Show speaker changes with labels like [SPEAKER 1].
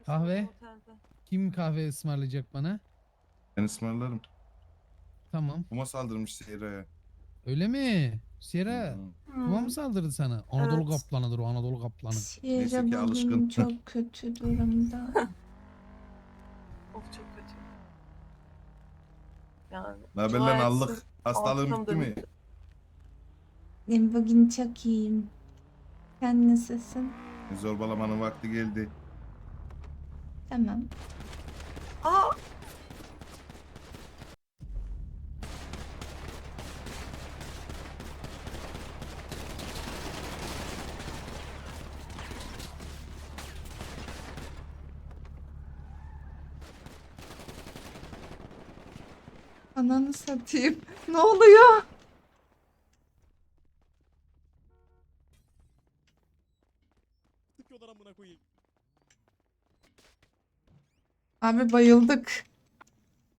[SPEAKER 1] Kahve?
[SPEAKER 2] Otelde.
[SPEAKER 1] Kim kahve ısmarlayacak bana?
[SPEAKER 3] Ben ısmarlarım.
[SPEAKER 1] Tamam.
[SPEAKER 3] Kuma saldırmış Seyra'ya.
[SPEAKER 1] Öyle mi? Sierra. Kuma mı
[SPEAKER 2] Hmm.
[SPEAKER 1] saldırdı sana? Anadolu
[SPEAKER 2] Evet.
[SPEAKER 1] kaplanıdır o, Anadolu kaplanı.
[SPEAKER 3] Neyse
[SPEAKER 4] Sierra
[SPEAKER 3] ki
[SPEAKER 4] bugün
[SPEAKER 3] alışkın.
[SPEAKER 4] çok kötü durumda.
[SPEAKER 2] Of çok kötü. Yani
[SPEAKER 3] Ne haber
[SPEAKER 2] dua
[SPEAKER 3] lan
[SPEAKER 2] etsin,
[SPEAKER 3] allık? Hastalığın
[SPEAKER 2] arkam
[SPEAKER 3] bitti mi?
[SPEAKER 2] dönüktü.
[SPEAKER 4] Ben bugün çok iyiyim. Sen nasılsın?
[SPEAKER 3] Zorbalamanın vakti geldi.
[SPEAKER 4] Tamam.
[SPEAKER 2] Aa!
[SPEAKER 4] Ananı satayım. Ne oluyor? Abi bayıldık.